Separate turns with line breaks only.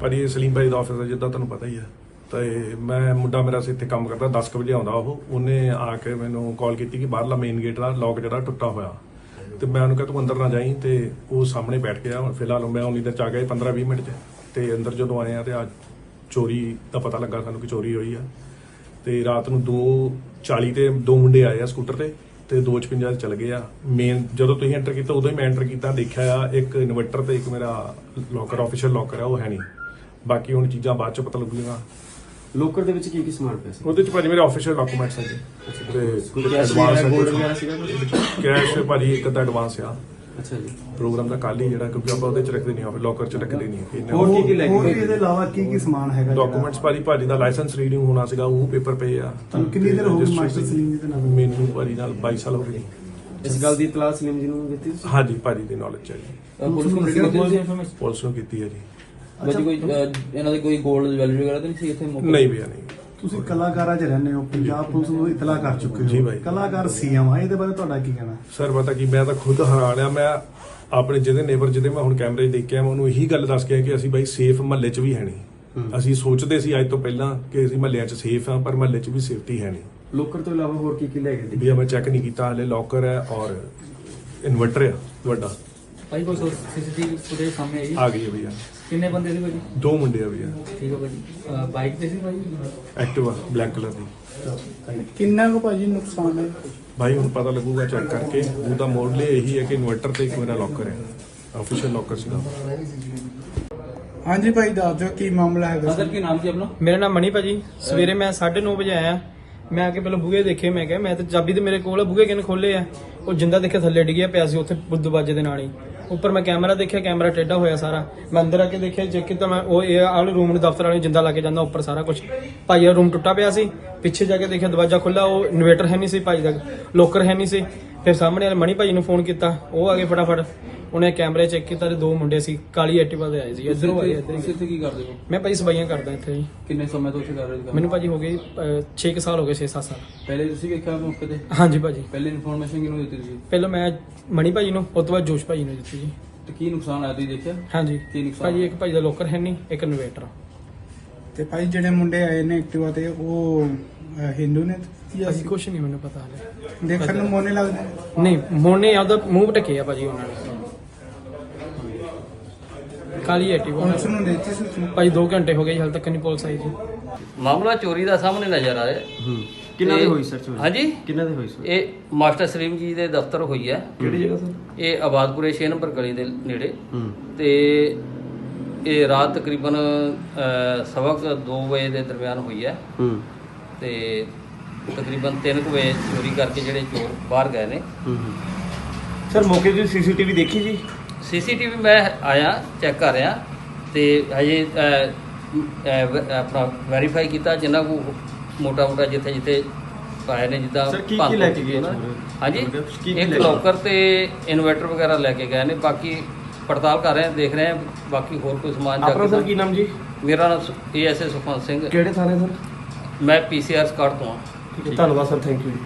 ਭਾਜੀ ਸਲੀਮ ਭਾਈ ਦਾ ਆਫਿਸ ਹੈ, ਜਿੱਦਾਂ ਤੁਹਾਨੂੰ ਪਤਾ ਹੀ ਹੈ। ਤੇ ਮੈਂ ਮੁੰਡਾ ਮੇਰਾ ਇੱਥੇ ਕੰਮ ਕਰਦਾ, 10 ਵਜੇ ਆਉਂਦਾ ਉਹਨੇ ਆ ਕੇ ਮੈਨੂੰ ਕਾਲ ਕੀਤੀ ਕਿ ਬਾਹਰਲਾ ਮੇਨ ਗੇਟ ਦਾ ਲੌਕ ਜਿਹੜਾ ਟੁੱਟਾ ਹੋਇਆ। ਤੇ ਮੈਂ ਉਹਨੂੰ ਕਿਹਾ ਤੂੰ ਅੰਦਰ ਨਾ ਜਾਈਂ, ਤੇ ਉਹ ਸਾਹਮਣੇ ਬੈਠ ਗਿਆ। ਫਿਲਹਾਲ ਮੈਂ ਉਨੀ ਦੇਰ ਚ ਆ ਗਿਆ 15-20 ਮਿੰਟ 'ਚ। ਤੇ ਅੰਦਰ ਜਦੋਂ ਆਏ ਆ ਤੇ ਅੱਜ ਚੋਰੀ ਦਾ ਪਤਾ ਲੱਗਾ ਸਾਨੂੰ ਕਿ ਚੋਰੀ ਹੋਈ ਆ। ਤੇ ਰਾਤ ਨੂੰ 2:40 ਤੇ 2 ਮੁੰਡੇ ਆਏ ਆ ਸਕੂਟਰ ਤੇ 2:56 ਚਲ ਗਏ ਆ। ਮੇਨ ਜਦੋਂ ਤੁਸੀਂ ਐਂਟਰ ਕੀਤਾ ਉਦੋਂ ਹੀ ਮੈਂ ਐਂਟਰ ਕੀਤਾ, ਦੇਖਿਆ ਆ ਇੱਕ ਇਨਵਰਟਰ ਤੇ ਇੱਕ ਮੇਰਾ ਲੋਕਰ ਆਫੀਸ਼ੀਅਲ ਲੋਕਰ ਆ, ਉਹ ਹੈ ਨਹੀਂ। ਬਾਕੀ ਹੁਣ ਚੀਜ਼ਾਂ ਬਾਅਦ ਚ ਪਤਾ ਲੱਗੂਗੀਆਂ।
ਲੋਕਰ ਦੇ ਵਿੱਚ ਕੀ ਸਮਾਨ ਪਿਆ ਸੀ?
ਉਹਦੇ ਚ ਭਾਜੀ ਮੇਰੇ ਆਫੀਸ਼ੀਅਲ ਡਾਕੂਮੈਂਟਸ ਹੈ ਜੀ, ਤੇ ਐਡਵਾਂਸ ਕੈਸ਼ ਭਾਜੀ ਇੱਕ ਅੱਧਾ ਐਡਵਾਂਸ ਆ।
ਅੱਛਾ ਜੀ।
ਪ੍ਰੋਗਰਾਮ ਦਾ ਕੱਲ ਹੀ ਜਿਹੜਾ, ਕਿਉਂਕਿ ਆਪਾਂ ਉਹਦੇ ਚ ਰੱਖਦੇ ਨਹੀਂ, ਲੋਕਰ ਚ ਰੱਖਦੇ ਨਹੀਂ।
ਹੋਰ ਕੀ ਲੈ
ਹੋਰ
ਕੇ
ਇਹਦੇ ਇਲਾਵਾ ਕੀ ਸਮਾਨ ਹੈਗਾ?
ਡਾਕੂਮੈਂਟਸ ਭਾਜੀ ਦਾ ਲਾਇਸੈਂਸ ਰੀਡਿੰਗ ਹੋਣਾ ਸੀਗਾ, ਉਹ ਪੇਪਰ ਪਏ ਆ।
ਤੁਹਾਨੂੰ ਕਿੰਨੀ ਦੇਰ ਹੋ ਗਈ ਮਾਸਟਰ ਸਲੀਮ ਜੀ ਦੇ ਨਾਲ?
ਮੈਨੂੰ ਭਾਜੀ ਨਾਲ 22 ਸਾਲ ਹੋ ਗਏ।
ਇਸ ਗੱਲ ਦੀ ਇਤਲਾਹ ਸਲੀਮ ਜੀ ਨੂੰ ਦਿੱਤੀ ਸੀ?
ਹਾਂਜੀ ਭਾਜੀ ਦੀ ਨੌਲੇਜ ਹੈ ਜੀ, ਪੁਲਿਸ ਨੂੰ ਕੀਤੀ ਹੈ ਜੀ।
ਕੋਈ ਇਹਨਾਂ ਦੇ ਕੋਈ ਗੋਲਡ ਜਵੈਲਰੀ ਵਗੈਰਾ ਤਾਂ ਨਹੀਂ ਸੀ ਇੱਥੇ?
ਨਹੀਂ ਭਈਆ ਨਹੀਂ।
ਤੁਸੀਂ ਕਲਾਕਾਰਾਂ 'ਚ ਰਹਿੰਦੇ ਹੋ, ਪੰਜਾਬ ਪੁਲਿਸ ਨੂੰ ਇਤਲਾਹ ਕਰ ਚੁੱਕੇ
ਜੀ
ਹੋ,
ਭਾਈ।
ਕਲਾਕਾਰ ਸੀਐਮ ਆ, ਇਹਦੇ ਬਾਰੇ ਤੁਹਾਡਾ ਕੀ ਕਹਿਣਾ?
ਸਰ ਪਤਾ ਕੀ, ਮੈਂ ਤਾਂ ਖੁਦ ਹੈਰਾਨ ਆ। ਮੈਂ ਆਪਣੇ ਜਿਹਦੇ ਨੇਬਰ ਜਿਹਦੇ ਮੈਂ ਹੁਣ ਕੈਮਰੇ 'ਚ ਦੇਖਿਆ, ਮੈਂ ਉਹਨੂੰ ਇਹੀ ਗੱਲ ਦੱਸ ਕੇ ਆਇਆ ਕਿ ਅਸੀਂ ਬਾਈ ਸੇਫ ਮਹੱਲੇ 'ਚ ਵੀ ਹੈ ਨਹੀਂ। ਅਸੀਂ ਸੋਚਦੇ ਸੀ ਅੱਜ ਤੋਂ ਪਹਿਲਾਂ ਕਿ ਅਸੀਂ ਮਹੱਲਿਆਂ 'ਚ ਸੇਫ ਆ, ਪਰ ਮਹੱਲੇ 'ਚ ਵੀ ਸੇਫਟੀ ਹੈ ਨਹੀਂ।
ਲੋਕਰ ਤੋਂ ਇਲਾਵਾ ਹੋਰ ਕੀ ਲੈ ਗਏ?
ਭਈਆ ਮੈਂ ਚੈੱਕ ਨਹੀਂ ਕੀਤਾ ਹਲੇ। ਲੋਕਰ ਹੈ ਔਰ ਇਨਵਰਟਰ ਆ ਵੱਡਾ।
ਭਾਈ ਕੋਈ ਸੀਸੀਟੀਵੀ ਫੁਟੇਜ ਸਾਹਮਣੇ ਆਈ?
ਆ ਗਈ ਹੈ ਭਈਆ।
ਕਿੰਨੇ ਬੰਦੇ ਸੀ ਭਾਜੀ?
2 ਮੁੰਡੇ ਆ ਭਈਆ।
ਠੀਕ ਹੈ ਭਾਜੀ। ਬਾਈਕ ਤੇ ਸੀ ਭਾਜੀ?
ਐਕਟਿਵਾ ਬਲੈਕ ਕਲਰ ਦੀ।
ਕਿੰਨਾ ਕੁ ਭਾਜੀ ਨੁਕਸਾਨ ਹੈ?
ਭਾਈ ਹੁਣ ਪਤਾ ਲੱਗੂਗਾ ਚੈੱਕ ਕਰਕੇ। ਉਹਦਾ ਮੋਡਲ ਇਹੀ ਹੈ ਕਿ ਇਨਵਰਟਰ ਤੇ ਇੱਕ ਮੇਰਾ ਲੋਕਰ ਹੈ, ਆਫੀਸ਼ੀਅਲ ਲੋਕਰ ਸੀਗਾ।
ਹਾਂਜੀ ਭਾਈ ਦੱਸ ਦਿਓ ਕੀ ਮਾਮਲਾ ਹੈਗਾ?
ਸਰ ਕੀ ਨਾਮ ਸੀ ਆਪਣਾ?
ਮੇਰਾ ਨਾਮ ਮਣੀ ਭਾਜੀ। ਸਵੇਰੇ ਮੈਂ 9:30 ਵਜੇ ਆਇਆ। ਮੈਂ ਆ ਕੇ ਪਹਿਲਾਂ ਬੂਹੇ ਦੇਖੇ, ਮੈਂ ਕਿਹਾ ਮੈਂ ਤਾਂ ਚਾਬੀ ਤੇ ਮੇਰੇ ਕੋਲ ਆ, ਬੂਹੇ ਕਿਹਨੇ ਖੋਲੇ ਆ? ਉਹ ਜਿੰਦਾ ਦੇਖਿਆ ਥੱਲੇ ਡਿੱਗਿਆ ਪਿਆ ਸੀ ਉੱਥੇ ਦਰਵਾਜ਼ੇ ਦੇ ਨਾਲ ਹੀ। ਉੱਪਰ ਮੈਂ ਕੈਮਰਾ ਦੇਖਿਆ, ਕੈਮਰਾ ਟੇਢਾ ਹੋਇਆ ਸਾਰਾ। ਮੈਂ ਅੰਦਰ ਆ ਕੇ ਦੇਖਿਆ, ਚੈੱਕ ਕੀਤਾ ਮੈਂ, ਉਹ ਇਹ ਆਲ ਰੂਮ ਨੂੰ ਦਫ਼ਤਰ ਵਾਲੇ ਜਿੰਦਾ ਲਾ ਕੇ ਜਾਂਦਾ ਉੱਪਰ ਸਾਰਾ ਕੁਝ। ਭਾਈ ਦਾ ਰੂਮ ਟੁੱਟਾ ਪਿਆ ਸੀ। ਪਿੱਛੇ ਜਾ ਕੇ ਦੇਖਿਆ ਦਰਵਾਜ਼ਾ ਖੁੱਲਾ, ਉਹ ਇਨਵੇਟਰ ਹੈ ਨਹੀਂ ਸੀ ਭਾਈ ਦਾ, ਲੋਕਰ ਹੈ ਨਹੀਂ ਸੀ। ਫਿਰ ਸਾਹਮਣੇ ਵਾਲੇ ਮਣੀ ਭਾਈ ਨੂੰ ਫੋਨ ਕੀਤਾ, ਉਹ ਆ ਗਏ ਫਟਾਫਟ। ਉਹਨੇ ਕੈਮਰੇ ਚੈੱਕ ਕੀਤਾ ਤੇ 2 ਮੁੰਡੇ ਸੀ, ਕਾਲੀ ਐਕਟਿਵਾ ਤੇ ਆਏ ਸੀ। ਇੱਧਰੋਂ ਆਏ।
ਤੁਸੀਂ ਇੱਥੇ ਕੀ ਕਰਦੇ ਹੋ?
ਮੈਂ ਭਾਈ ਸਫਾਈਆਂ ਕਰਦਾ ਇੱਥੇ ਜੀ।
ਕਿੰਨੇ ਸਮੇਂ ਤੋਂ ਇੱਥੇ ਕਰ ਰਹੇ ਹੋ?
ਮੈਨੂੰ ਭਾਜੀ ਹੋ ਗਏ 6 ਸਾਲ ਹੋ ਗਏ, 6-7 ਸਾਲ।
ਪਹਿਲੇ ਤੁਸੀਂ ਵੇਖਿਆ ਮੌਕੇ ਤੇ?
ਹਾਂਜੀ ਭਾਜੀ।
ਪਹਿਲੇ ਇਨਫੋਰਮੇਸ਼ਨ ਕਿਹਨੂੰ ਦਿੱਤੀ ਤੁਸੀਂ?
ਪਹਿਲਾਂ ਮੈਂ ਮਣੀ ਭਾਜੀ ਨੂੰ, ਉਸ ਤੋਂ ਬਾਅਦ ਜੋਸ਼ ਭਾਜੀ ਨੂੰ ਦਿੱਤੀ ਜੀ।
ਤੇ ਕੀ ਨੁਕਸਾਨ ਆਇਆ ਤੁਸੀਂ ਦੇਖਿਆ?
ਹਾਂਜੀ
ਕੀ ਨੁਕਸਾਨ?
ਭਾਜੀ ਇੱਕ ਭਾਜੀ ਦਾ ਲੋਕਰ ਹੈ ਨਹੀਂ, ਇੱਕ ਇਨਵੇਟਰ।
ਤੇ ਭਾਈ ਜਿਹੜੇ ਮੁੰਡੇ ਆਏ ਨੇ ਐਕਟਿਵਾ ਤੇ, ਉਹ ਹਿੰਦੂ ਨੇ ਜਾਂ
ਭਾਜੀ ਕੁਛ ਨਹੀਂ ਮੈਨੂੰ ਪਤਾ ਹਲੇ।
ਦੇਖਣ ਨੂੰ ਮੋਨੇ ਲੱਗਦੇ ਨੇ?
ਨਹੀਂ ਮੋਨੇ ਆਪਦਾ ਮੂੰਹ ਢੱਕੇ ਆ ਭਾਜੀ ਉਹਨਾਂ ਨੇ। ਕਾਲੀ ਐਕਟਿਵਾ
ਪੁਲਿਸ ਨੂੰ ਦਿੱਤੀ ਸੀ?
ਭਾਜੀ 2 ਘੰਟੇ ਹੋ ਗਏ, ਹਾਲੇ ਤੱਕ ਨਹੀਂ ਪੁਲਿਸ ਆਈ ਜੀ।
ਮਾਮਲਾ ਚੋਰੀ ਦਾ ਸਾਹਮਣੇ ਨਜ਼ਰ ਆ ਰਿਹਾ।
ਕਿੰਨਾ ਦੀ ਹੋਈ ਸਰ ਚੋਰੀ?
ਹਾਂਜੀ,
ਕਿੰਨਾ ਦੀ ਹੋਈ ਸਰ?
ਇਹ ਮਾਸਟਰ ਸਲੀਮ ਜੀ ਦੇ ਦਫ਼ਤਰ ਹੋਈ ਹੈ।
ਕਿਹੜੀ ਜਗ੍ਹਾ ਸਰ?
ਇਹ ਆਬਾਦਪੁਰੇ 6 ਨੰਬਰ ਗਲੀ ਦੇ ਨੇੜੇ। ਤੇ ਇਹ ਰਾਤ ਤਕਰੀਬਨ 2:15 ਵਜੇ ਦੇ ਦਰਮਿਆਨ ਹੋਈ ਹੈ। ਤੇ ਤਕਰੀਬਨ 3 ਵਜੇ ਚੋਰੀ ਕਰਕੇ ਜਿਹੜੇ ਚੋਰ ਬਾਹਰ ਗਏ ਨੇ।
ਸਰ ਮੌਕੇ ਦੀ ਸੀਸੀਟੀਵੀ ਦੇਖੀ ਜੀ?
ਸੀਸੀਟੀਵੀ ਮੈਂ ਆਇਆ, ਚੈੱਕ ਕਰ ਰਿਹਾ ਤੇ ਹਜੇ ਆਪਣਾ ਵੈਰੀਫਾਈ ਕੀਤਾ ਜਿੰਨਾ ਕੋ ਮੋਟਾ ਜਿੱਥੇ ਜਿੱਥੇ ਪਾਏ ਨੇ, ਜਿੱਦਾਂ
ਸਰ ਕੀ ਲੈ ਕੇ ਗਏ?
ਹਾਂਜੀ, ਇੱਕ ਲੋਕਰ ਤੇ ਇਨਵਰਟਰ ਵਗੈਰਾ ਲੈ ਕੇ ਗਏ ਨੇ। ਬਾਕੀ ਪੜਤਾਲ ਕਰ ਰਹੇ ਹਾਂ, ਦੇਖ ਰਹੇ ਹਾਂ ਬਾਕੀ ਹੋਰ ਕੋਈ ਸਮਾਨ।
ਆਪਣਾ ਸਰ ਕੀ ਨਾਮ ਜੀ?
ਮੇਰਾ ਨਾਮ ASA ਸੁਖਵੰਤ ਸਿੰਘ।
ਕਿਹੜੇ ਥਾਣੇ ਸਰ?
ਮੈਂ PCR ਸਕਾਟ ਤੋਂ ਹਾਂ।
ਧੰਨਵਾਦ ਸਰ, ਥੈਂਕ ਯੂ।